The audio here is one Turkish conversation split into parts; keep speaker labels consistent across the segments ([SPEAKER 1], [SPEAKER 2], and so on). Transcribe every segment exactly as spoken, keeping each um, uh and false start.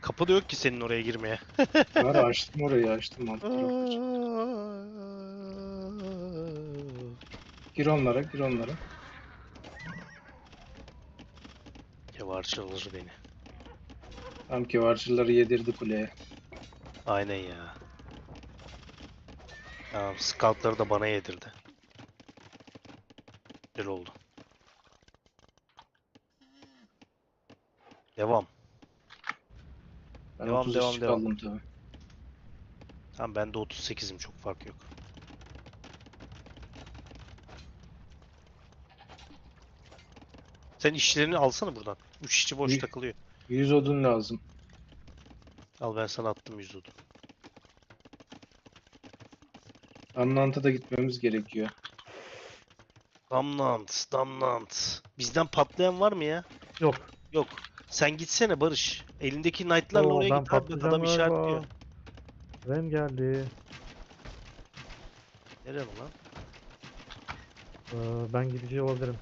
[SPEAKER 1] Kapı da yok ki senin oraya girmeye.
[SPEAKER 2] Var, açtım orayı, açtım alt tarafı. Gir onlara, gir onlara.
[SPEAKER 1] Kevarçı alır beni.
[SPEAKER 2] Tam ki varcıları yedirdi kuleye.
[SPEAKER 1] Aynen ya. Tamam, scoutları da bana yedirdi. Güzel oldu. Devam.
[SPEAKER 2] Ben
[SPEAKER 1] Devam
[SPEAKER 2] otuz
[SPEAKER 1] devam
[SPEAKER 2] işçi
[SPEAKER 1] devam.
[SPEAKER 2] kaldım tabi.
[SPEAKER 1] Tamam, ben de otuz sekizim, çok fark yok. Sen işlerini alsana buradan. üç işçi boş takılıyor.
[SPEAKER 2] yüz odun lazım.
[SPEAKER 1] Al, ben sana attım yüz odun.
[SPEAKER 2] Anlant'a da gitmemiz gerekiyor.
[SPEAKER 1] Damnant, damnant. Bizden patlayan var mı ya?
[SPEAKER 3] Yok.
[SPEAKER 1] Yok. Sen gitsene Barış. Elindeki knight'larla
[SPEAKER 3] Oo,
[SPEAKER 1] oraya
[SPEAKER 3] ben
[SPEAKER 1] git abi. Bak,
[SPEAKER 3] patlayacağım
[SPEAKER 1] adam işaretliyor.
[SPEAKER 3] galiba. Ren geldi.
[SPEAKER 1] Nereye lan?
[SPEAKER 3] Ee, ben gidici olabilirim.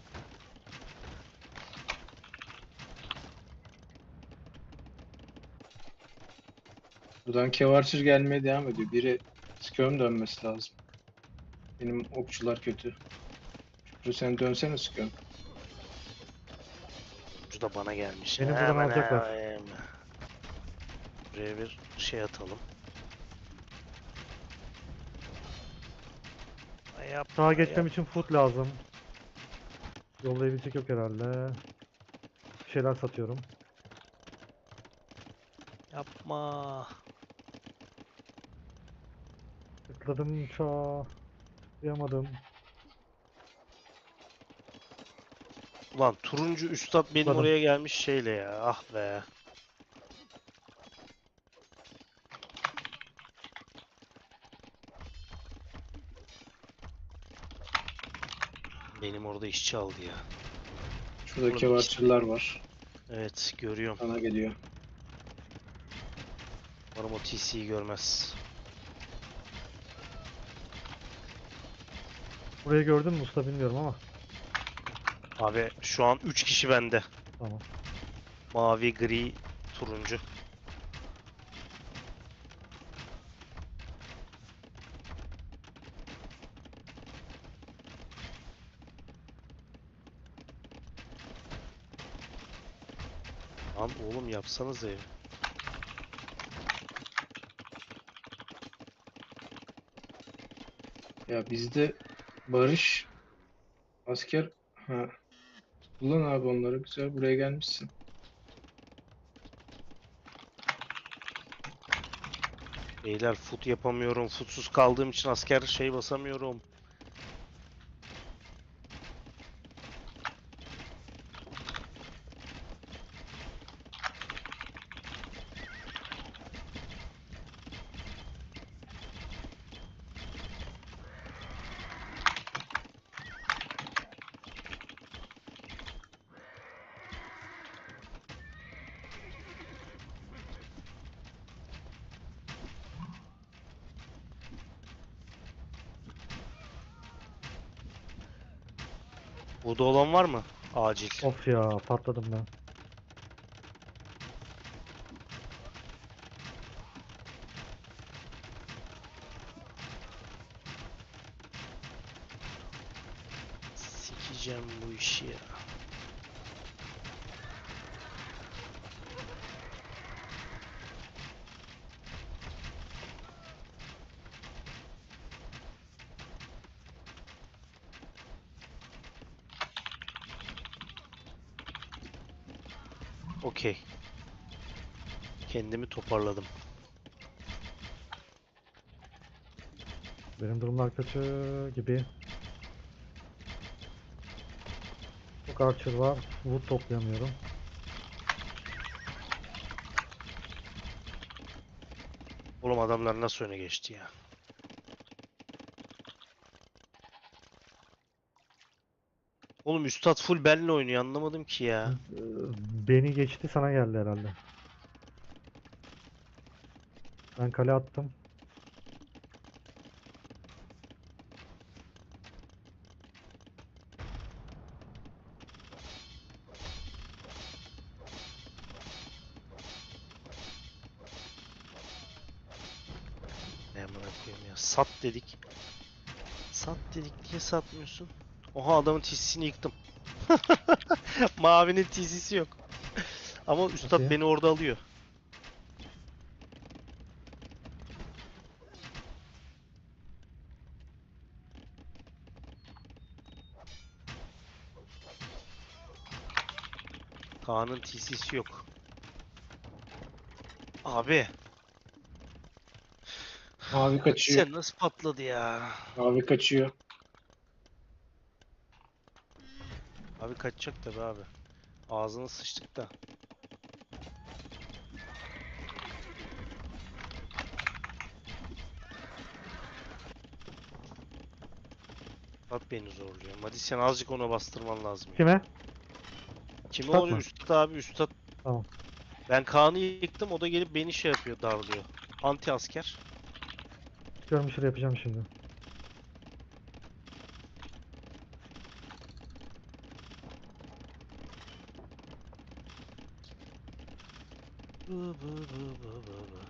[SPEAKER 2] Buradan Kevarçır gelmeye devam ediyor. Biri Skön dönmesi lazım. Benim okçular kötü. Şükrü sen dönsene Skön.
[SPEAKER 1] Oyuncu da bana gelmiş.
[SPEAKER 3] Beni buradan
[SPEAKER 1] Hemen
[SPEAKER 3] alacaklar.
[SPEAKER 1] hemen. Buraya bir şey atalım. Ay, yapma,
[SPEAKER 3] Sağa geçmem
[SPEAKER 1] yapma.
[SPEAKER 3] için food lazım. Yollayabilecek yok herhalde. Bir şeyler satıyorum.
[SPEAKER 1] Yapma.
[SPEAKER 3] Tıkladım uçağa. Tıklayamadım.
[SPEAKER 1] Ulan turuncu üstad benim
[SPEAKER 3] Tıkladım.
[SPEAKER 1] oraya gelmiş şeyle ya. Ah be. Benim orada işçi aldı ya.
[SPEAKER 2] Şurada
[SPEAKER 1] Oğlum,
[SPEAKER 2] Kevarçırlar var.
[SPEAKER 1] Evet, görüyorum.
[SPEAKER 2] Bana geliyor.
[SPEAKER 1] Umarım o T C'yi görmez.
[SPEAKER 3] Burayı gördün mü usta bilmiyorum ama.
[SPEAKER 1] Abi şu an üç kişi bende.
[SPEAKER 3] Tamam.
[SPEAKER 1] Mavi, gri, turuncu. Lan oğlum, yapsanız ev.
[SPEAKER 2] Ya bizde barış asker, ha, kullan abi onları, güzel, buraya gelmişsin.
[SPEAKER 1] Beyler, foot yapamıyorum. Footsuz kaldığım için asker şey basamıyorum. Burada olan var mı? Acil.
[SPEAKER 3] Of ya patladım ben.
[SPEAKER 1] Sikeceğim bu işi ya. Okey. Kendimi toparladım.
[SPEAKER 3] Benim durumlar kötü gibi. Çok archer var. Wood toplayamıyorum.
[SPEAKER 1] Oğlum, adamlar nasıl öne geçti ya? Oğlum, üstad full benle oynuyor, anlamadım ki ya.
[SPEAKER 3] Ee, Beni geçti sana geldi herhalde. Ben kale attım.
[SPEAKER 1] ya? Sat dedik. Sat dedik, niye satmıyorsun? Oha, adamın tisisini yıktım. Mavinin tisisi yok. Ama üstad
[SPEAKER 3] ya?
[SPEAKER 1] beni orada alıyor. Kaan'ın tisisi yok. Abi.
[SPEAKER 2] Mavi kaçıyor.
[SPEAKER 1] Sen nasıl patladı ya?
[SPEAKER 2] Mavi kaçıyor.
[SPEAKER 1] Abi kaçacak tabi abi. Ağzına sıçtık da. Bak beni zorluyor. Hadi sen azıcık ona bastırman lazım ya.
[SPEAKER 3] Kime?
[SPEAKER 1] Kime
[SPEAKER 3] Üstad
[SPEAKER 1] oluyor?
[SPEAKER 3] mı?
[SPEAKER 1] Üstad abi, üstad.
[SPEAKER 3] Tamam.
[SPEAKER 1] Ben Kaan'ı yıktım, o da gelip beni şey yapıyor, darlıyor. Anti asker.
[SPEAKER 3] Çıkıyorum, bir şey yapacağım şimdi.
[SPEAKER 1] Bı bı bı bı bı bı.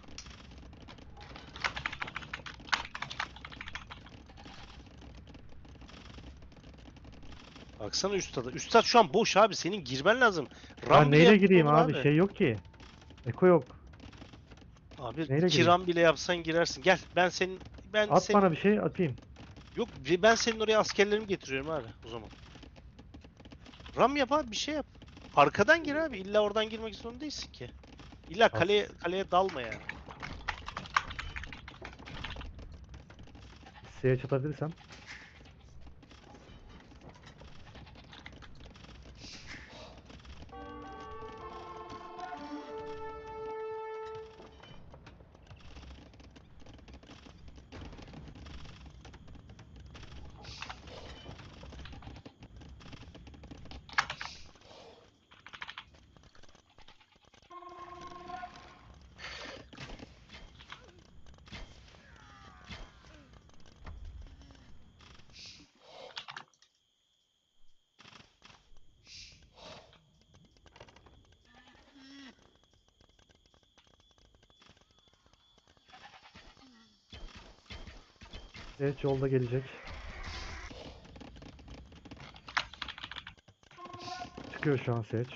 [SPEAKER 1] Baksana üstada. Üstad şu an boş abi. Senin girmen lazım.
[SPEAKER 3] Ben
[SPEAKER 1] Ram bile
[SPEAKER 3] neyle
[SPEAKER 1] yapsan
[SPEAKER 3] gireyim
[SPEAKER 1] olur
[SPEAKER 3] abi? Şey yok ki. Eko yok.
[SPEAKER 1] Abi
[SPEAKER 3] neyle
[SPEAKER 1] iki
[SPEAKER 3] gireyim?
[SPEAKER 1] ram bile yapsan girersin. Gel, ben senin ben
[SPEAKER 3] At
[SPEAKER 1] senin
[SPEAKER 3] bana bir şey atayım.
[SPEAKER 1] yok ben senin oraya askerlerimi getiriyorum abi o zaman. Ram yap abi, bir şey yap. Arkadan gir abi. İlla oradan girmek zorunda değilsin ki. İlla kaleye kaleye dalma yani.
[SPEAKER 3] S'ye çatabilirsem. Evet, yolda gelecek. Çıkıyor şu an Seç.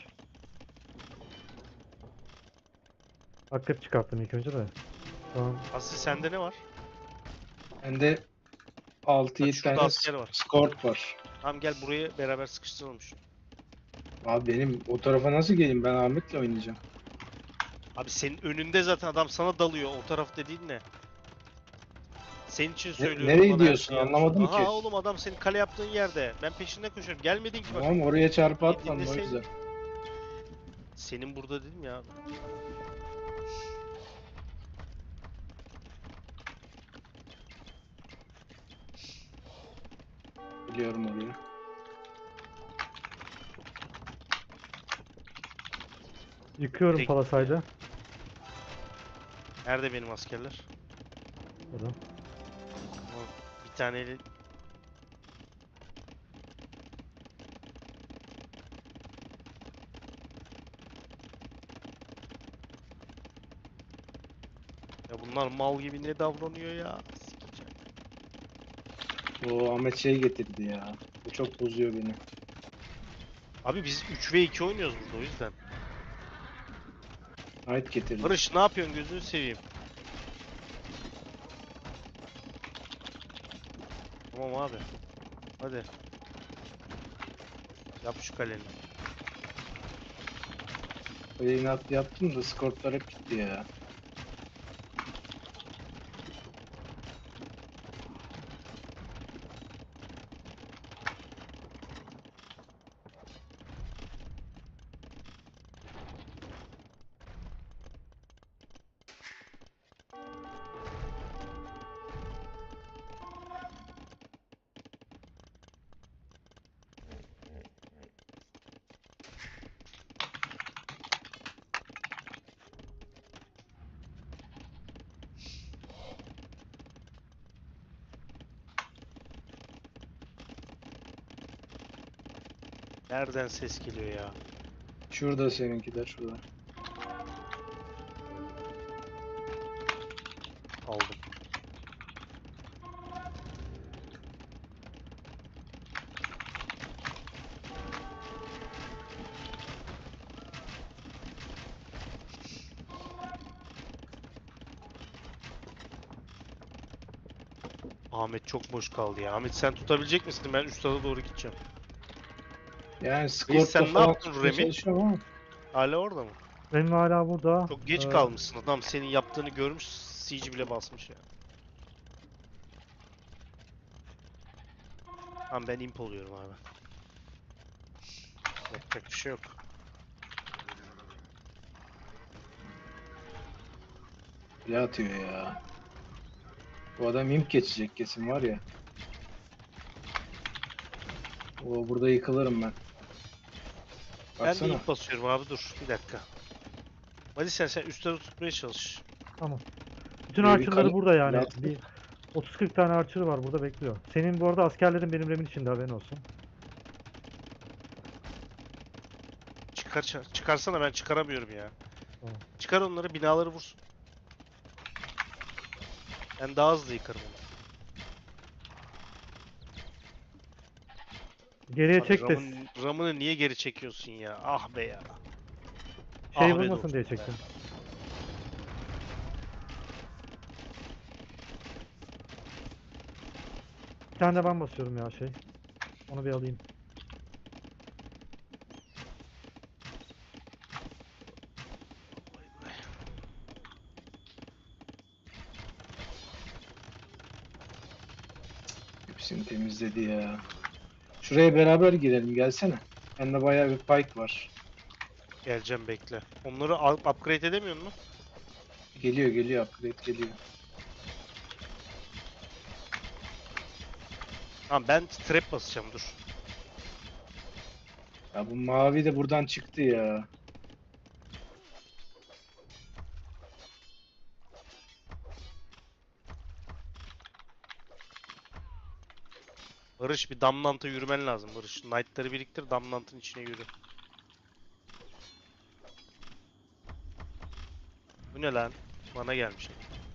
[SPEAKER 3] Akrep çıkarttım ilk önce de. Şu an
[SPEAKER 1] Aslı sende ne var?
[SPEAKER 2] Bende altı
[SPEAKER 1] Bak
[SPEAKER 2] yedi
[SPEAKER 1] şurada
[SPEAKER 2] tane
[SPEAKER 1] asker var.
[SPEAKER 2] skort var.
[SPEAKER 1] Tamam gel, buraya beraber sıkıştıralım şunu.
[SPEAKER 2] Abi benim o tarafa nasıl geleyim? Ben Ahmet'le oynayacağım.
[SPEAKER 1] Abi senin önünde zaten adam sana dalıyor. O taraf dediğin ne? Senin için söylüyorum.
[SPEAKER 2] nereye
[SPEAKER 1] bana her
[SPEAKER 2] gidiyorsun?
[SPEAKER 1] şeyi yapmış.
[SPEAKER 2] Anlamadım
[SPEAKER 1] Aha
[SPEAKER 2] ki.
[SPEAKER 1] oğlum, adam senin kale yaptığın yerde. Ben peşinden koşuyorum. Gelmedin ki bak.
[SPEAKER 2] Tamam, oraya çarpı
[SPEAKER 1] Bir
[SPEAKER 2] atmadım o
[SPEAKER 1] dinleseydin.
[SPEAKER 2] yüzden.
[SPEAKER 1] Senin burada dedim ya abi.
[SPEAKER 2] Biliyorum orayı.
[SPEAKER 3] yıkıyorum
[SPEAKER 1] Direkt-
[SPEAKER 3] palasaydı.
[SPEAKER 1] Nerede benim askerler?
[SPEAKER 3] Burada.
[SPEAKER 1] Ama bir taneyle ya bunlar mal gibi ne davranıyor ya? Sikeceğim.
[SPEAKER 2] O Ahmet şey getirdi ya. Bu çok bozuyor beni.
[SPEAKER 1] Abi biz üç ve iki oynuyoruz burada, o yüzden.
[SPEAKER 2] Knight getirdi.
[SPEAKER 1] Barış ne yapıyorsun, gözünü seveyim. Tamam abi. Hadi. Yap şu kaleni.
[SPEAKER 2] Öyle inat yaptım da skortlar hep gitti ya.
[SPEAKER 1] Nereden ses geliyor ya?
[SPEAKER 2] Şurada seninkiler, şurada.
[SPEAKER 1] Aldım. Ahmet çok boş kaldı ya. Ahmet sen tutabilecek misin? Ben üstada doğru gideceğim.
[SPEAKER 2] Yani
[SPEAKER 1] sen
[SPEAKER 2] Scorp'ta
[SPEAKER 1] ne
[SPEAKER 2] falan
[SPEAKER 1] yaptın
[SPEAKER 2] tutmaya
[SPEAKER 1] Remi?
[SPEAKER 2] çalışıyorum ama
[SPEAKER 1] Hala orada mı?
[SPEAKER 3] Benim hala burada.
[SPEAKER 1] Çok geç
[SPEAKER 3] Ee,
[SPEAKER 1] kalmışsın. Adam senin yaptığını görmüş. Siege bile basmış ya. Tamam ben imp oluyorum abi. Yapacak bir şey yok.
[SPEAKER 2] bile atıyor ya. Bu adam imp geçecek kesin var ya. O burada yıkılırım ben.
[SPEAKER 1] Ben de
[SPEAKER 2] Baksana.
[SPEAKER 1] imp basıyorum abi dur. Bir dakika. Hadi sen sen üstleri tutmaya çalış.
[SPEAKER 3] Tamam. Bütün
[SPEAKER 2] Böyle bir
[SPEAKER 3] archer'ları
[SPEAKER 2] kale-
[SPEAKER 3] burada yani.
[SPEAKER 2] Lastik.
[SPEAKER 3] Bir otuz kırk tane archer var burada bekliyor. Senin bu arada askerlerin benim remin içinde, haberin olsun.
[SPEAKER 1] Çıkar, çıkar- çıkarsana ben çıkaramıyorum ya.
[SPEAKER 3] Tamam.
[SPEAKER 1] Çıkar onları binaları vursun. Ben daha hızlı yıkarım onu.
[SPEAKER 3] Geriye
[SPEAKER 1] Abi
[SPEAKER 3] çek de
[SPEAKER 1] Ram'ın, Ram'ını niye geri çekiyorsun ya? Ah be ya.
[SPEAKER 3] şey
[SPEAKER 1] Ah be
[SPEAKER 3] vurmasın diye
[SPEAKER 1] dostum be.
[SPEAKER 3] çektim. Bir tane de ben basıyorum ya şey. Onu bir alayım.
[SPEAKER 2] Hepsini temizledi ya. Şuraya beraber girelim gelsene. Bende bayağı bir pike var.
[SPEAKER 1] Geleceğim bekle. Onları al- upgrade edemiyor musun?
[SPEAKER 2] Geliyor geliyor upgrade geliyor.
[SPEAKER 1] Tamam ben trap basacağım dur.
[SPEAKER 2] Ya bu mavi de buradan çıktı ya.
[SPEAKER 1] Barış bir Damnant'a yürümen lazım Barış. Knight'ları biriktir Damnant'ın içine yürü. Bu ne lan? Bana gelmiş.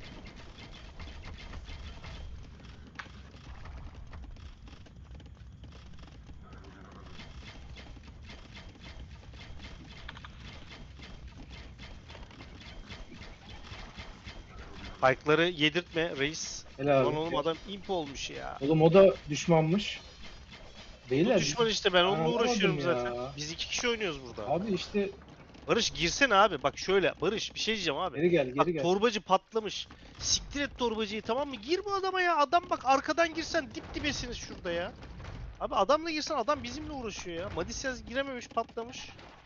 [SPEAKER 1] Pike'ları yedirtme reis.
[SPEAKER 2] Helal
[SPEAKER 1] Lan
[SPEAKER 2] abi.
[SPEAKER 1] oğlum adam imp olmuş ya.
[SPEAKER 2] Oğlum o da düşmanmış.
[SPEAKER 1] Bu
[SPEAKER 2] Beyler
[SPEAKER 1] düşman işte ben onunla
[SPEAKER 2] anlamadım
[SPEAKER 1] uğraşıyorum
[SPEAKER 2] ya.
[SPEAKER 1] zaten. Biz iki kişi oynuyoruz burada.
[SPEAKER 2] Abi işte
[SPEAKER 1] Barış girsene abi. Bak şöyle Barış bir şey diyeceğim abi.
[SPEAKER 2] geri gel
[SPEAKER 1] Bak
[SPEAKER 2] geri gel.
[SPEAKER 1] torbacı patlamış. Siktir et torbacıyı tamam mı? Gir bu adama ya. Adam bak arkadan girsen dip dibesiniz şurada ya. Abi adamla girsen adam bizimle uğraşıyor ya. Madisyaz girememiş patlamış.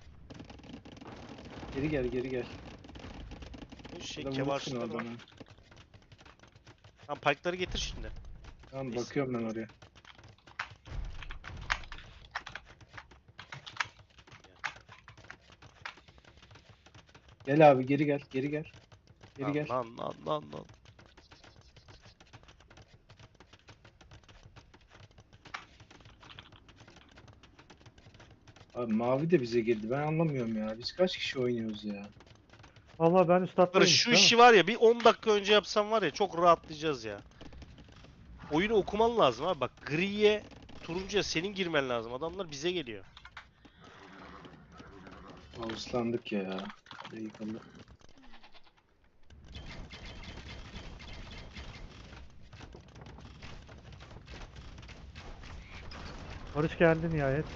[SPEAKER 2] Geri gel geri gel.
[SPEAKER 1] Bu şey
[SPEAKER 2] Burada vurursun
[SPEAKER 1] kevarsızlar var.
[SPEAKER 2] adamı.
[SPEAKER 1] Tamam pike'ları getir şimdi.
[SPEAKER 2] Tamam
[SPEAKER 1] Neyse.
[SPEAKER 2] bakıyorum ben oraya. Gel abi geri gel geri gel. Geri
[SPEAKER 1] Lan,
[SPEAKER 2] gel.
[SPEAKER 1] lan lan lan lan.
[SPEAKER 2] Abi mavi de bize girdi. Ben anlamıyorum ya. Biz kaç kişi oynuyoruz ya?
[SPEAKER 3] Vallahi ben üst hattayım.
[SPEAKER 1] Barış şu işi var ya bir on dakika önce yapsam var ya çok rahatlayacağız ya. Oyunu okuman lazım abi bak griye turuncuya senin girmen lazım. Adamlar bize geliyor.
[SPEAKER 2] Ağuslandık ya. Hadi yıkıldı.
[SPEAKER 3] Barış geldi nihayet.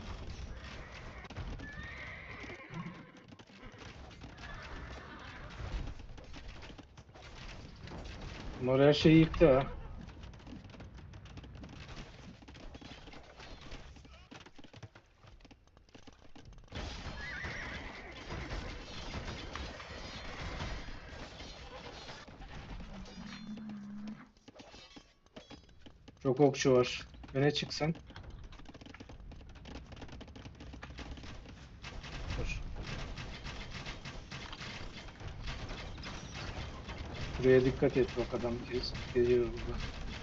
[SPEAKER 2] Bunlar her şeyi yıktı ha. Çok okçu var. Öne çıksan.
[SPEAKER 1] Dur.
[SPEAKER 2] Buraya dikkat et bak adam gez- geziyor burada.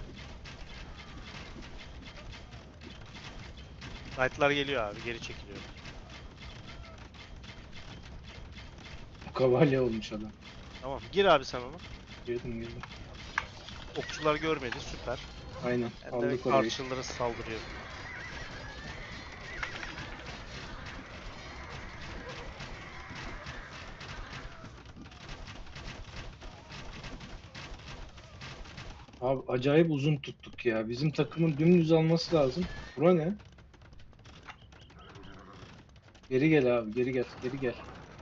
[SPEAKER 1] Knight'lar geliyor abi geri çekiliyor.
[SPEAKER 2] Kavalye olmuş adam.
[SPEAKER 1] Tamam gir abi sen onu.
[SPEAKER 2] Girdim girdim.
[SPEAKER 1] Okçular görmedi süper.
[SPEAKER 2] Aynen
[SPEAKER 1] Ben de
[SPEAKER 2] aldık orayı.
[SPEAKER 1] archer'lara saldırıyorum.
[SPEAKER 2] Abi acayip uzun tuttuk ya. Bizim takımın dümdüz alması lazım. Bura ne? Geri gel abi, geri gel, geri gel.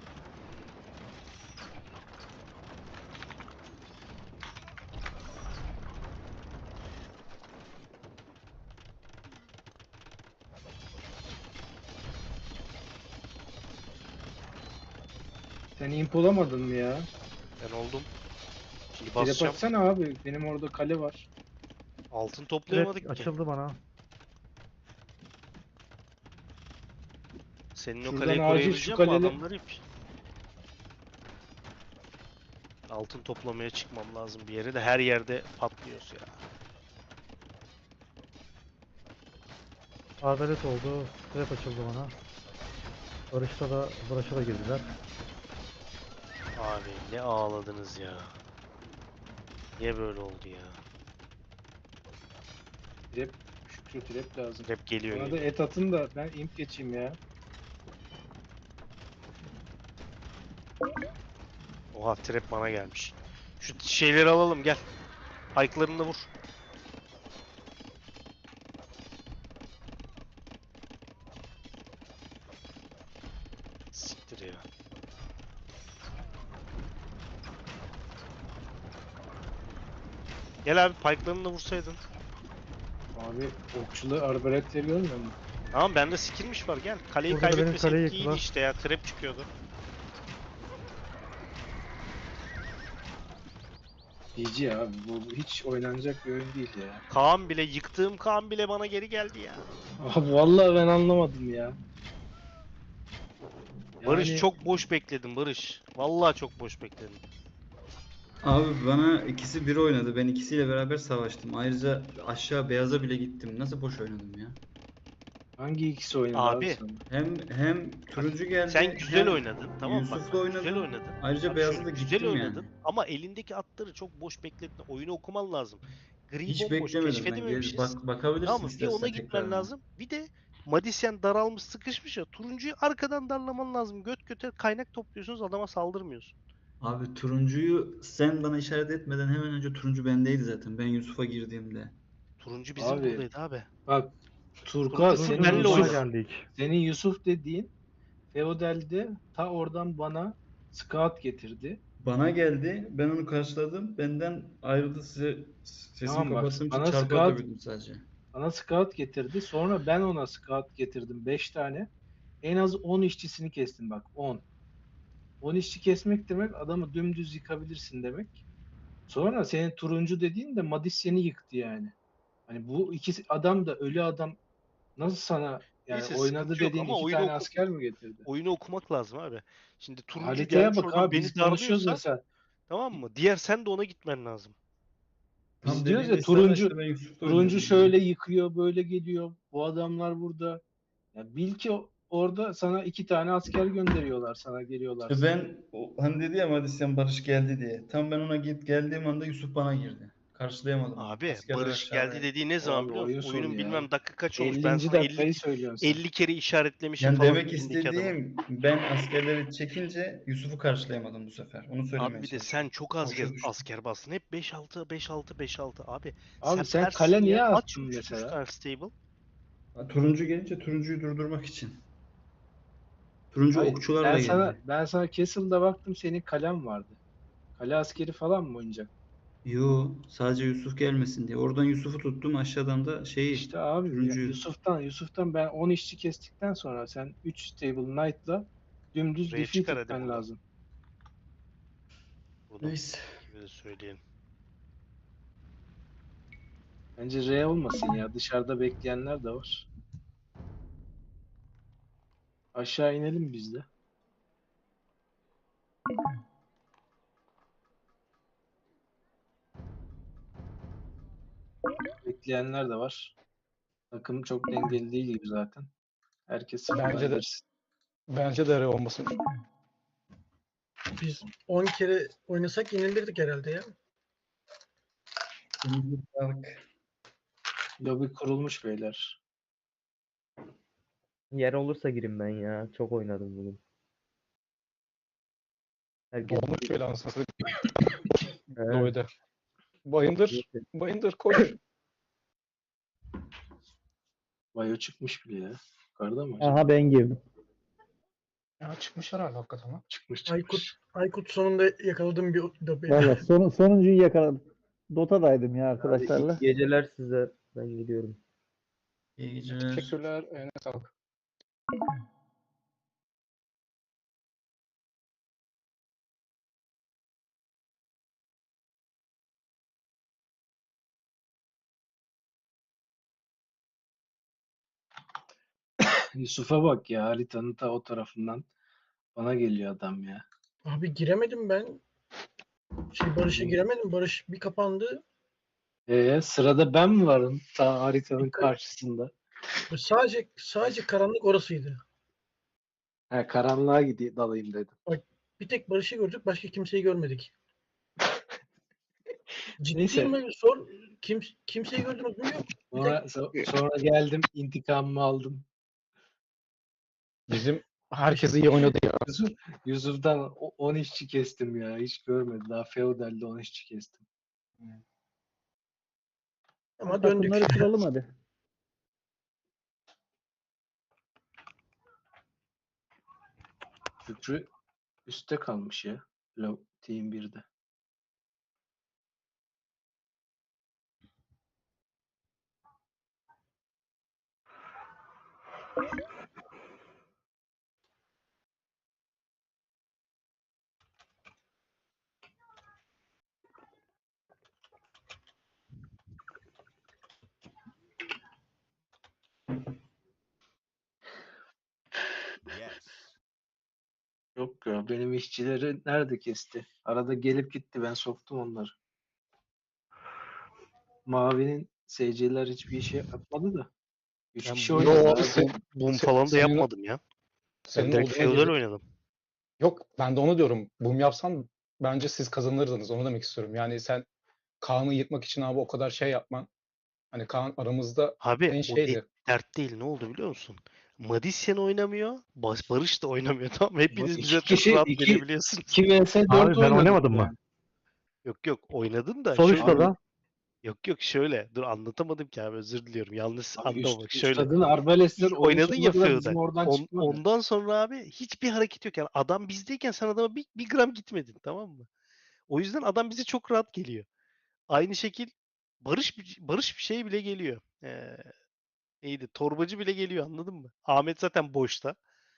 [SPEAKER 2] Sen imp olamadın mı ya?
[SPEAKER 1] Ben oldum. Şimdi
[SPEAKER 2] Trap
[SPEAKER 1] basacağım.
[SPEAKER 2] atsana abi. Benim orada kale var.
[SPEAKER 1] Altın
[SPEAKER 3] Direkt
[SPEAKER 1] toplayamadık ki.
[SPEAKER 3] açıldı bana.
[SPEAKER 1] Senin o
[SPEAKER 2] Şuradan
[SPEAKER 1] kaleyi
[SPEAKER 2] acil
[SPEAKER 1] koruyabilecek
[SPEAKER 2] şu
[SPEAKER 1] mi
[SPEAKER 2] kaleli-
[SPEAKER 1] adamlar ip? Altın toplamaya çıkmam lazım bir yere de her yerde patlıyoruz ya.
[SPEAKER 3] Adalet oldu. Trap açıldı bana. Barış'ta da Barış'a da girdiler.
[SPEAKER 1] Abi ne ağladınız ya. Niye böyle oldu ya?
[SPEAKER 2] Trap, Şükrü trap lazım.
[SPEAKER 1] Hep geliyor
[SPEAKER 2] Bana da
[SPEAKER 1] geliyor.
[SPEAKER 2] et atın da ben imp geçeyim ya.
[SPEAKER 1] Oha trap bana gelmiş. Şu şeyleri alalım gel. Pike'larını da vur. Siktir ya. Gel abi pike'larını da vursaydın.
[SPEAKER 2] Abi okçulu arbaletleri görmüyor musun?
[SPEAKER 1] Tamam bende skillmiş var gel. Kaleyi
[SPEAKER 3] Burada da benim
[SPEAKER 1] kaybetmeseydik
[SPEAKER 3] kaleyi
[SPEAKER 1] iyiydi
[SPEAKER 3] yıktılar.
[SPEAKER 1] işte ya. Trap çıkıyordu.
[SPEAKER 2] G G abi bu bu hiç oynanacak bir oyun değil ya.
[SPEAKER 1] Kaan bile yıktığım Kaan bile bana geri geldi ya.
[SPEAKER 2] Abi vallahi ben anlamadım ya.
[SPEAKER 1] Barış
[SPEAKER 2] Yani
[SPEAKER 1] çok boş bekledim Barış. Vallahi çok boş bekledim.
[SPEAKER 4] Abi bana ikisi bir oynadı. Ben ikisiyle beraber savaştım. Ayrıca aşağı beyaza bile gittim. Nasıl boş oynadım ya?
[SPEAKER 2] hangi ikisi oynadı abi,
[SPEAKER 1] Abi,
[SPEAKER 2] sana?
[SPEAKER 4] Hem hem turuncu geldi.
[SPEAKER 1] Sen güzel
[SPEAKER 4] hem
[SPEAKER 1] oynadın tamam mı? Bak,
[SPEAKER 4] Yusuf'la
[SPEAKER 1] bak, güzel
[SPEAKER 4] oynadım.
[SPEAKER 1] oynadın.
[SPEAKER 4] Ayrıca
[SPEAKER 1] Bak
[SPEAKER 4] beyaza
[SPEAKER 1] şöyle,
[SPEAKER 4] da
[SPEAKER 1] güzel
[SPEAKER 4] gittim
[SPEAKER 1] oynadın
[SPEAKER 4] yani.
[SPEAKER 1] ama elindeki atları çok boş bekletme. Oyunu okuman lazım. Gri
[SPEAKER 4] Hiç
[SPEAKER 1] bomboş
[SPEAKER 4] beklemedim ben. Gel,
[SPEAKER 1] keşfedememişiz.
[SPEAKER 4] bak, bakabilirsin
[SPEAKER 1] Tamam mı? Bir ona
[SPEAKER 4] istersen
[SPEAKER 1] gitmen
[SPEAKER 4] tekrardan.
[SPEAKER 1] lazım. Bir de Madisyen daralmış sıkışmış ya. Turuncuyu arkadan darlaman lazım. Göt göte kaynak topluyorsunuz adama saldırmıyorsun.
[SPEAKER 4] Abi turuncuyu sen bana işaret etmeden hemen önce turuncu bendeydi zaten. Ben Yusuf'a girdiğimde.
[SPEAKER 1] Turuncu bizim
[SPEAKER 2] Abi,
[SPEAKER 1] buradaydı abi.
[SPEAKER 2] Bak Turka
[SPEAKER 1] Turuncu
[SPEAKER 2] senin
[SPEAKER 1] benle
[SPEAKER 3] Turuncu bana
[SPEAKER 1] oynadı.
[SPEAKER 2] Yusuf,
[SPEAKER 3] geldik.
[SPEAKER 2] senin Yusuf dediğin Feodal'de ta oradan bana scout getirdi.
[SPEAKER 4] Bana geldi. Ben onu karşıladım. Benden ayrıldı, size sesimi
[SPEAKER 2] Tamam bak,
[SPEAKER 4] kapattığım için
[SPEAKER 2] bana
[SPEAKER 4] çarpı
[SPEAKER 2] scout-
[SPEAKER 4] atabildim sadece.
[SPEAKER 2] Bana scout getirdi. Sonra ben ona scout getirdim beş tane. En az on işçisini kestim bak on. on işçi kesmek demek adamı dümdüz yıkabilirsin demek. Sonra senin turuncu dediğin de Madisyen'i yıktı yani. Hani bu ikisi adam da ölü adam nasıl sana yani
[SPEAKER 1] Neyse,
[SPEAKER 2] oynadı
[SPEAKER 1] sıkıntı yok
[SPEAKER 2] dediğin
[SPEAKER 1] ama
[SPEAKER 2] iki
[SPEAKER 1] oyunu
[SPEAKER 2] tane
[SPEAKER 1] oku-
[SPEAKER 2] asker mi getirdi?
[SPEAKER 1] Oyunu okumak lazım abi. Şimdi turuncu
[SPEAKER 2] Haritaya
[SPEAKER 1] gelmiş
[SPEAKER 2] bak
[SPEAKER 1] oradan
[SPEAKER 2] abi
[SPEAKER 1] beni
[SPEAKER 2] biz konuşuyoruz
[SPEAKER 1] darlıyorsa
[SPEAKER 2] mesela.
[SPEAKER 1] tamam mı? Diğer sen de ona gitmen lazım.
[SPEAKER 2] Biz
[SPEAKER 4] Tam
[SPEAKER 2] diyoruz ya
[SPEAKER 4] dediğim esnada
[SPEAKER 2] turuncu
[SPEAKER 4] işte ben Yusuf'la
[SPEAKER 2] turuncu
[SPEAKER 4] oynuyordum.
[SPEAKER 2] şöyle yıkıyor böyle geliyor. Bu adamlar burada. Ya bil ki o- orada sana iki tane asker gönderiyorlar sana geliyorlar.
[SPEAKER 4] İşte ben o- hani dedi ya Madisyen Barış geldi diye. Tam ben ona git geldiğim anda Yusuf bana girdi. Karşılayamadım onu.
[SPEAKER 1] Abi
[SPEAKER 4] Askerler
[SPEAKER 1] Barış
[SPEAKER 4] aşağıda.
[SPEAKER 1] geldi dediği ne zaman
[SPEAKER 2] Abi
[SPEAKER 1] biliyor musun?
[SPEAKER 2] oyun sonu
[SPEAKER 1] Oyunun
[SPEAKER 2] ya.
[SPEAKER 1] bilmem dakika kaç olmuş. Ben
[SPEAKER 2] ellinci
[SPEAKER 1] sana elli,
[SPEAKER 2] dakikayı söylüyorsun sen.
[SPEAKER 1] elli kere işaretlemişim
[SPEAKER 4] Yani
[SPEAKER 1] falan
[SPEAKER 4] demek
[SPEAKER 1] elindeki adamı.
[SPEAKER 4] istediğim ben askerleri çekince Yusuf'u karşılayamadım bu sefer. Onu söylemeye
[SPEAKER 1] Abi bir de
[SPEAKER 4] çalışıyorum.
[SPEAKER 1] sen çok az
[SPEAKER 4] Boşa
[SPEAKER 1] gez-
[SPEAKER 4] düştüm.
[SPEAKER 1] asker bastın. Hep beş altı beş altı beş altı abi.
[SPEAKER 2] Abi sen
[SPEAKER 1] Persin
[SPEAKER 2] kale niye
[SPEAKER 1] ya, aç
[SPEAKER 2] attın
[SPEAKER 1] üç üç
[SPEAKER 2] mesela?
[SPEAKER 1] tane stable.
[SPEAKER 4] Ha, turuncu gelince turuncuyu durdurmak için. Turuncu
[SPEAKER 2] Hayır,
[SPEAKER 4] okçularla
[SPEAKER 2] ben
[SPEAKER 4] geldi.
[SPEAKER 2] sana ben sana Castle'da baktım senin kalem vardı. Kale askeri falan mı oynayacak?
[SPEAKER 4] Yo, sadece Yusuf gelmesin diye. Oradan Yusuf'u tuttum, aşağıdan da şeyi
[SPEAKER 2] İşte abi ya,
[SPEAKER 4] turuncuyu.
[SPEAKER 2] Yusuf'tan Yusuf'tan ben on işçi kestikten sonra sen üç stable knight'la dümdüz
[SPEAKER 1] Buraya
[SPEAKER 2] defeat
[SPEAKER 1] çıkar hadi
[SPEAKER 2] etmen
[SPEAKER 1] buradan.
[SPEAKER 2] lazım.
[SPEAKER 1] Bunu
[SPEAKER 4] Neyse.
[SPEAKER 1] gibi de söyleyelim.
[SPEAKER 2] Bence R olmasın ya. Dışarıda bekleyenler de var. Aşağı inelim biz de. Bekleyenler de var. Takım çok dengeli değil gibi zaten. Herkes sıfırdan
[SPEAKER 5] Bence de.
[SPEAKER 2] girsin.
[SPEAKER 5] Bence de öyle olmasın.
[SPEAKER 6] Biz on kere oynasak yenilirdik herhalde ya.
[SPEAKER 4] Turuncu sağlık.
[SPEAKER 2] Lobi kurulmuş beyler.
[SPEAKER 7] Yer olursa girin ben ya. Çok oynadım bugün. Herkes
[SPEAKER 5] Dolmuş öyle anasını satayım.
[SPEAKER 7] Evet.
[SPEAKER 5] Lobi'de. Bayındır. Bayındır koş.
[SPEAKER 2] Bayo çıkmış bile ya. Yukarıda mı acaba?
[SPEAKER 7] Aha ben girdim.
[SPEAKER 5] Ya çıkmış herhalde hakikaten ha.
[SPEAKER 2] Çıkmış
[SPEAKER 6] Aykut,
[SPEAKER 2] çıkmış.
[SPEAKER 6] Aykut sonunda yakaladım bir dobe.
[SPEAKER 8] Valla son, sonuncuyu yakaladım. Dota'daydım ya
[SPEAKER 7] Hadi
[SPEAKER 8] arkadaşlarla.
[SPEAKER 7] iyi geceler size. Ben gidiyorum.
[SPEAKER 4] İyi geceler.
[SPEAKER 5] Teşekkürler. Eline sağlık.
[SPEAKER 2] Yusuf'a bak ya, haritanın ta o tarafından bana geliyor adam ya.
[SPEAKER 6] Abi giremedim ben. Şey Barış'a giremedim. Barış bir kapandı.
[SPEAKER 2] Ee, sırada ben mi varım ta haritanın karşısında?
[SPEAKER 6] Ve Sadece sadece karanlık orasıydı.
[SPEAKER 2] He, karanlığa gideyim dalayım dedim.
[SPEAKER 6] Bir tek Barış'ı gördük. Başka kimseyi görmedik.
[SPEAKER 2] Neyse.
[SPEAKER 6] Ciddiyim ben. Sor. Kim, kimseyi gördünüz mü? Yok. Bir
[SPEAKER 2] Sonra,
[SPEAKER 6] tek
[SPEAKER 2] so- sonra geldim, intikamımı aldım.
[SPEAKER 5] Bizim herkes iyi oynadı ya.
[SPEAKER 2] Yusuf, Yusuf'tan o- on işçi kestim ya. Hiç görmedi. Daha feodalde on işçi kestim.
[SPEAKER 6] ama döndük.
[SPEAKER 8] Takımları kuralım hadi.
[SPEAKER 2] Şükrü üstte kalmış ya. Lo- Team birde. Yok ya, benim işçileri nerede kesti? Arada gelip gitti, ben soktum onları. Mavi'nin S C'ler hiçbir şey yapmadı da. Üç
[SPEAKER 1] Ben
[SPEAKER 2] kişi
[SPEAKER 1] bu-
[SPEAKER 2] oynadı
[SPEAKER 5] Yo,
[SPEAKER 2] abi.
[SPEAKER 5] sen-
[SPEAKER 1] Boom
[SPEAKER 5] Se-
[SPEAKER 1] falan da
[SPEAKER 5] senin-
[SPEAKER 1] yapmadım ya. Ben
[SPEAKER 5] Senin
[SPEAKER 1] direkt
[SPEAKER 5] olduğuna
[SPEAKER 1] feodal
[SPEAKER 5] girdik.
[SPEAKER 1] oynadım.
[SPEAKER 5] Yok ben de onu diyorum. Boom yapsan bence siz kazanırdınız. Onu demek istiyorum. Yani sen Kaan'ı yıkmak için abi o kadar şey yapman. Hani Kaan aramızda
[SPEAKER 1] Abi
[SPEAKER 5] en
[SPEAKER 1] o de-
[SPEAKER 5] şeydi.
[SPEAKER 1] dert değil. Ne oldu biliyor musun? Madisyen oynamıyor. Bas Barış da oynamıyor. Tamam mı? Hepiniz
[SPEAKER 2] İki
[SPEAKER 1] bize çok
[SPEAKER 2] kişi-
[SPEAKER 1] rahat
[SPEAKER 2] iki-
[SPEAKER 1] gelebiliyorsunuz.
[SPEAKER 2] iki vs dört
[SPEAKER 3] Abi ben
[SPEAKER 2] oynadık
[SPEAKER 3] oynamadım
[SPEAKER 2] ya.
[SPEAKER 3] mı?
[SPEAKER 1] Yok yok oynadın da
[SPEAKER 3] Sol
[SPEAKER 1] şöyle.
[SPEAKER 3] üstte da.
[SPEAKER 1] Yok yok şöyle. Dur anlatamadım ki abi, özür diliyorum. Yanlış
[SPEAKER 2] Abi
[SPEAKER 1] anlama
[SPEAKER 2] üst,
[SPEAKER 1] bak şöyle.
[SPEAKER 2] üstadın arbalestler
[SPEAKER 1] İlk
[SPEAKER 2] oyun
[SPEAKER 1] oynadın
[SPEAKER 2] sonuna
[SPEAKER 1] ya
[SPEAKER 2] kadar
[SPEAKER 1] feodal.
[SPEAKER 2] bizim oradan
[SPEAKER 1] On-
[SPEAKER 2] çıkmadı.
[SPEAKER 1] ondan sonra abi hiçbir hareket yok. Yani adam bizdeyken sen adama bir, bir gram gitmedin, tamam mı? O yüzden adam bize çok rahat geliyor. Aynı şekil Barış bir- Barış bir şey bile geliyor. Ee, neydi? Torbacı bile geliyor, anladın mı? Ahmet zaten boşta.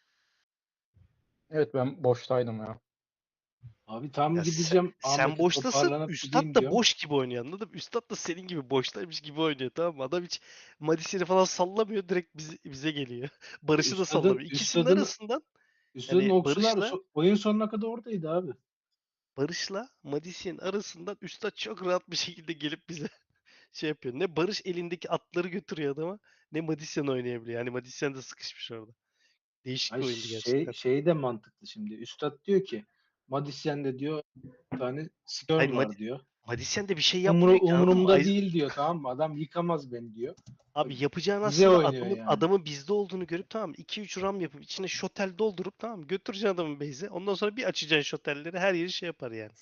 [SPEAKER 5] Evet ben boştaydım ya.
[SPEAKER 2] Abi tam
[SPEAKER 1] Ya sen,
[SPEAKER 2] gideceğim.
[SPEAKER 1] sen
[SPEAKER 2] Ahmet'i
[SPEAKER 1] boştasın.
[SPEAKER 2] toparlanıp
[SPEAKER 1] Üstad
[SPEAKER 2] gideyim
[SPEAKER 1] da
[SPEAKER 2] diyorum.
[SPEAKER 1] boş gibi oynuyor, anladın mı? Üstad da senin gibi boştaymış gibi oynuyor, tamam mı? Adam hiç Madisyen'i falan sallamıyor. Direkt bize, bize geliyor. Barış'ı da
[SPEAKER 2] Üstadın-
[SPEAKER 1] sallamıyor. İkisinin
[SPEAKER 2] üstadın-
[SPEAKER 1] arasından
[SPEAKER 2] Üstadın
[SPEAKER 1] Yani
[SPEAKER 2] okçular
[SPEAKER 1] Barış'la-
[SPEAKER 2] so- oyun sonuna kadar oradaydı abi.
[SPEAKER 1] Barış'la Madisyen arasından Üstad çok rahat bir şekilde gelip bize şey yapıyor. Ne Barış elindeki atları götürüyor adama, ne Madisyen oynayabiliyor. Yani Madisyen de sıkışmış orada. Değişik
[SPEAKER 2] Ay
[SPEAKER 1] bir oyundu
[SPEAKER 2] şey,
[SPEAKER 1] gerçekten.
[SPEAKER 2] şey de mantıklı şimdi. Üstad diyor ki Madisyen'de diyor bir tane skirl
[SPEAKER 1] Hayır,
[SPEAKER 2] var
[SPEAKER 1] Madi-
[SPEAKER 2] diyor.
[SPEAKER 1] Madisyen de bir şey
[SPEAKER 2] Umru,
[SPEAKER 1] yapmıyor ki, anladın mı?
[SPEAKER 2] umurumda
[SPEAKER 1] Ay-
[SPEAKER 2] değil diyor, tamam mı? Adam yıkamaz beni diyor.
[SPEAKER 1] Abi yapacağın
[SPEAKER 2] Bize
[SPEAKER 1] aslında
[SPEAKER 2] oynuyor
[SPEAKER 1] adamın,
[SPEAKER 2] yani.
[SPEAKER 1] adamın bizde olduğunu görüp, tamam mı? iki üç ram yapıp içine şotel doldurup, tamam mı? Götüreceksin adamın base'e. Ondan sonra bir açacaksın şotelleri, her yeri şey yapar yani.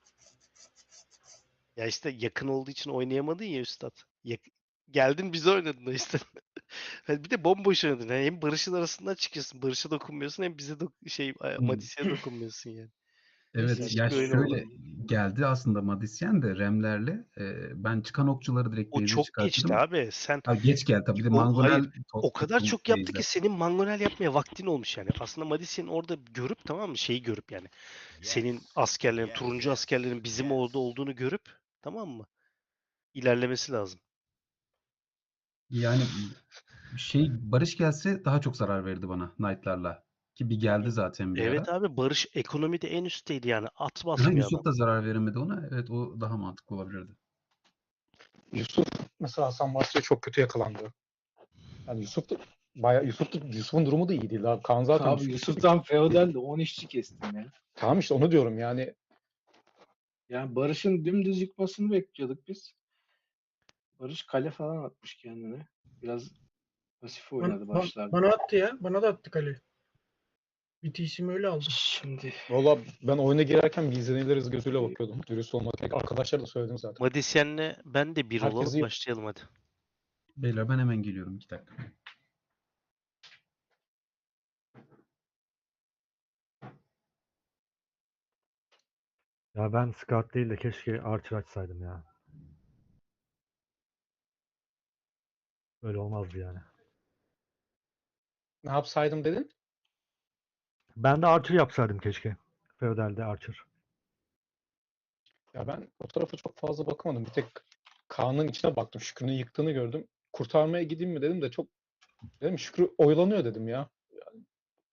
[SPEAKER 1] Ya işte yakın olduğu için oynayamadın ya Üstad. Yak- Geldin bize oynadın da işte. Hani bir de bomboş oynadın. Yani hem Barış'ın arasından çıkıyorsun. Barış'a dokunmuyorsun, hem bize dok- şey Madisyen'e dokunmuyorsun yani.
[SPEAKER 9] Evet
[SPEAKER 1] Değişik
[SPEAKER 9] ya
[SPEAKER 1] bir oyun
[SPEAKER 9] şöyle
[SPEAKER 1] oldu.
[SPEAKER 9] geldi aslında Madisyen de Remlerle e, ben çıkan okçuları direkt
[SPEAKER 1] O
[SPEAKER 9] base'e
[SPEAKER 1] çok
[SPEAKER 9] çıkarttım.
[SPEAKER 1] geçti abi. Sen
[SPEAKER 9] Ha, geç geldi tabii bir de
[SPEAKER 1] O-
[SPEAKER 9] Mangonel
[SPEAKER 1] hayır,
[SPEAKER 9] to-
[SPEAKER 1] o kadar
[SPEAKER 9] tuttum
[SPEAKER 1] çok yaptı
[SPEAKER 9] base'e.
[SPEAKER 1] ki senin mangonel yapmaya vaktin olmuş yani. Aslında Madisyen'i orada görüp, tamam mı? Şeyi görüp yani. Senin askerlerin, turuncu askerlerin bizim orada olduğunu görüp, tamam mı? İlerlemesi lazım.
[SPEAKER 9] Yani şey Barış gelse daha çok zarar verirdi bana Knight'larla. Ki bir geldi zaten bir
[SPEAKER 1] Evet
[SPEAKER 9] ara.
[SPEAKER 1] abi, Barış ekonomide en üstteydi yani. At
[SPEAKER 9] Ha,
[SPEAKER 1] basmıyor
[SPEAKER 9] Yusuf
[SPEAKER 1] adam.
[SPEAKER 9] da zarar veremedi ona. Evet o daha mantıklı olabilirdi.
[SPEAKER 5] Yusuf mesela Hasan Basri'ye çok kötü yakalandı. Yani Yusuf da bayağı Yusuf da, Yusuf'un durumu da iyi değil. Abi Kaan zaten
[SPEAKER 2] Abi
[SPEAKER 5] düşmüş.
[SPEAKER 2] Yusuf'tan feodal de on işçi kestim ya.
[SPEAKER 5] Tamam işte onu diyorum yani.
[SPEAKER 2] Yani Barış'ın dümdüz yıkmasını bekliyorduk biz. Barış kale falan atmış kendine. Biraz pasif oynadı
[SPEAKER 6] Ban- ban-
[SPEAKER 2] başlarda.
[SPEAKER 6] bana attı ya. Bana da attı kale. Bitişimi öyle aldım.
[SPEAKER 2] Şimdi
[SPEAKER 5] Valla ben oyuna girerken bir izleniliriz gözüyle bakıyordum. Dürüst olmak gerek. Arkadaşlar da söyledim zaten.
[SPEAKER 1] Madisyen'le ben de bir
[SPEAKER 5] Herkes
[SPEAKER 1] olalım
[SPEAKER 5] iyi.
[SPEAKER 1] başlayalım hadi.
[SPEAKER 9] Beyler ben hemen geliyorum. iki dakika.
[SPEAKER 3] Ya ben Scout değil de keşke Archer açsaydım ya. Öyle olmazdı yani.
[SPEAKER 5] Ne yapsaydım dedin?
[SPEAKER 3] Ben de Archer yapsaydım keşke. Feudal'de Archer.
[SPEAKER 5] Ya ben o tarafa çok fazla bakamadım. Bir tek Kaan'ın içine baktım. Şükrü'nün yıktığını gördüm. Kurtarmaya gideyim mi dedim de çok dedim Şükrü oyalanıyor dedim ya. Yani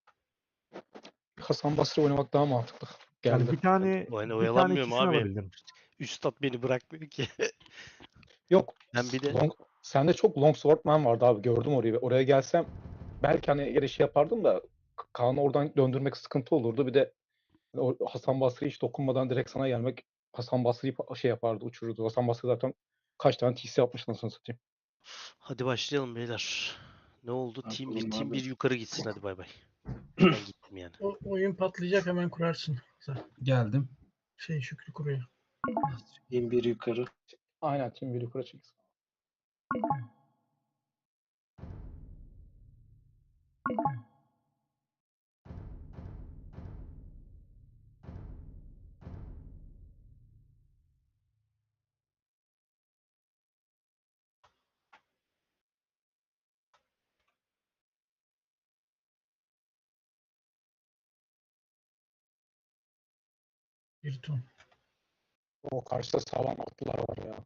[SPEAKER 5] Hasan Basri oynamak daha mantıklı
[SPEAKER 3] Yani
[SPEAKER 5] geldi.
[SPEAKER 3] bir tane
[SPEAKER 1] O hani
[SPEAKER 3] bir tane
[SPEAKER 1] oyalanmıyorum
[SPEAKER 3] ikisini
[SPEAKER 1] abi.
[SPEAKER 3] alabildim.
[SPEAKER 1] Üstad beni bırakmıyor ki.
[SPEAKER 5] Yok.
[SPEAKER 1] Ben bir de
[SPEAKER 5] Long, sende çok long swordman vardı abi. Gördüm orayı. Oraya gelsem belki hani yere şey yapardım da Kaan'ı oradan döndürmek sıkıntı olurdu. Bir de o Hasan Basri hiç dokunmadan direkt sana gelmek Hasan Basri'yi pa- şey yapardı, uçururdu. Hasan Basri zaten kaç tane T C yapmış nasıl satayım.
[SPEAKER 1] hadi başlayalım beyler. Ne oldu?
[SPEAKER 2] Ne
[SPEAKER 1] Team bir
[SPEAKER 2] yapalım
[SPEAKER 1] team
[SPEAKER 2] abi?
[SPEAKER 1] bir yukarı gitsin hadi bay bay. Ben gittim yani.
[SPEAKER 6] O oyun patlayacak, hemen kurarsın. Sen
[SPEAKER 9] Geldim.
[SPEAKER 6] şey Şükrü kuruyor.
[SPEAKER 2] bin bir yukarı.
[SPEAKER 5] Aynen Team bir yukarı çeksin.
[SPEAKER 6] Bir ton.
[SPEAKER 5] O karşıda sağlam atlılar var ya.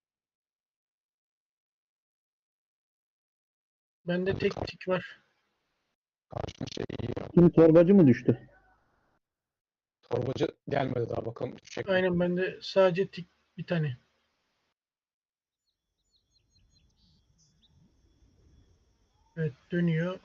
[SPEAKER 6] Bende tek tik var.
[SPEAKER 5] Karşının şey iyi ya.
[SPEAKER 8] Kim torbacı mı düştü?
[SPEAKER 5] Torbacı gelmedi daha bakalım. Düşecek mi?
[SPEAKER 6] Aynen, bende sadece tik bir tane. Evet, dönüyor.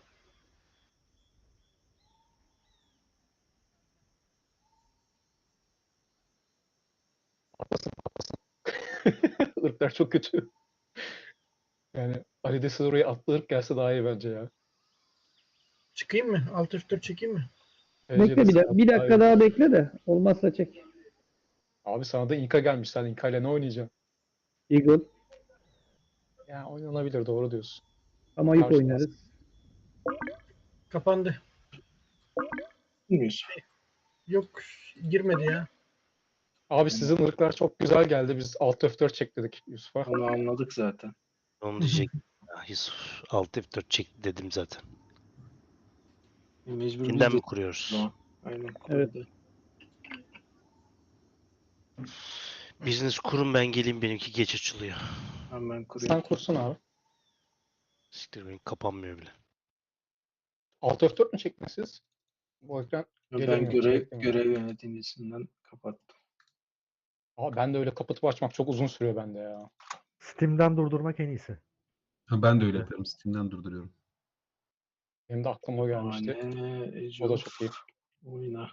[SPEAKER 5] Patlasın patlasın. Irklar çok kötü. Yani Ali de siz oraya atlı ırk gelse daha iyi bence ya.
[SPEAKER 6] Çıkayım mı? Alt F dört çekeyim mi?
[SPEAKER 5] Bence
[SPEAKER 8] Bekle
[SPEAKER 5] de
[SPEAKER 8] bir, da-
[SPEAKER 5] sana
[SPEAKER 8] bir
[SPEAKER 5] daha
[SPEAKER 8] dakika
[SPEAKER 5] iyi.
[SPEAKER 8] daha bekle de olmazsa çek.
[SPEAKER 5] Abi sana da İnka gelmiş. Sen İnka ile ne oynayacaksın?
[SPEAKER 8] Eagle
[SPEAKER 5] Ya oynanabilir doğru diyorsun.
[SPEAKER 8] ama ip
[SPEAKER 5] Karşı
[SPEAKER 8] oynarız.
[SPEAKER 6] Kapandı.
[SPEAKER 2] Bilmiyoruz.
[SPEAKER 6] Yok, girmedi ya.
[SPEAKER 5] Abi sizin ırklar çok güzel geldi. Biz alt F dört çek dedik Yusuf'a.
[SPEAKER 2] Onu anladık zaten.
[SPEAKER 1] Onu diyecek. Ya Yusuf alt F dört çekti dedim zaten.
[SPEAKER 2] E, Mecbur biz
[SPEAKER 1] Yeniden
[SPEAKER 2] de
[SPEAKER 1] mi kuruyoruz?
[SPEAKER 2] Tamam. Aynen.
[SPEAKER 8] Evet.
[SPEAKER 2] kuruldu.
[SPEAKER 1] Biriniz kurun ben geleyim benimki geç açılıyor.
[SPEAKER 2] Hemen kuruyorum.
[SPEAKER 5] Sen kursun abi.
[SPEAKER 1] Siktir benim kapanmıyor bile.
[SPEAKER 5] alt F dört mü çektiniz siz? Bu ekran
[SPEAKER 2] Ben
[SPEAKER 5] gelemiyor,
[SPEAKER 2] görev,
[SPEAKER 5] beklemiyor.
[SPEAKER 2] görev yöneticisinden kapattım.
[SPEAKER 5] Abi ben de öyle kapatıp açmak çok uzun sürüyor bende ya.
[SPEAKER 3] Steam'den durdurmak en iyisi.
[SPEAKER 9] Ha, ben de öyle
[SPEAKER 3] Evet.
[SPEAKER 9] yapıyorum. Steam'den durduruyorum.
[SPEAKER 5] Benim de aklıma o gelmişti.
[SPEAKER 2] Ane, Ece
[SPEAKER 5] O da
[SPEAKER 2] of,
[SPEAKER 5] çok iyi.
[SPEAKER 2] Oyna.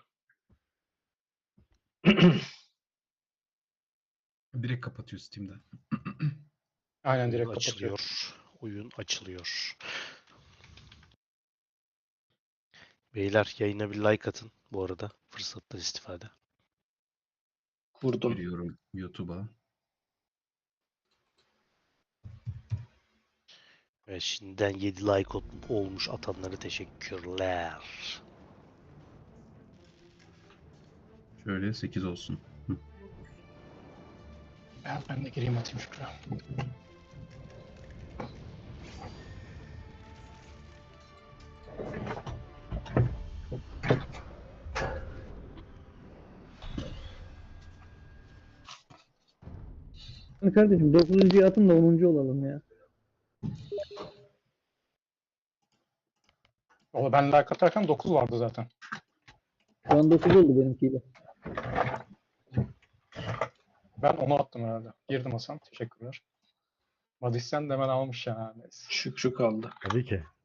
[SPEAKER 9] Direkt kapatıyor Steam'den.
[SPEAKER 5] Aynen
[SPEAKER 1] Oyun
[SPEAKER 5] direkt kapatıyor.
[SPEAKER 1] açılıyor. Oyun açılıyor. Beyler yayına bir like atın bu arada. Fırsattan istifade.
[SPEAKER 2] Kurdum.
[SPEAKER 9] Giriyorum YouTube'a.
[SPEAKER 1] Ve şimdiden yedi like ol- olmuş atanlara teşekkürler.
[SPEAKER 9] Şöyle sekiz olsun. Hı.
[SPEAKER 5] Ben, ben de gireyim atayım Şükrü.
[SPEAKER 8] Hani kardeşim dokuzuncuyu atın da onuncu olalım ya.
[SPEAKER 5] Valla ben like atarken dokuz vardı zaten.
[SPEAKER 8] Şu an dokuz oldu benimkiyle.
[SPEAKER 5] Ben onu attım herhalde. Girdim Hasan. Teşekkürler. Madisyen de hemen almış ya. Neyse.
[SPEAKER 2] Şükrü kaldı.
[SPEAKER 3] Tabii ki.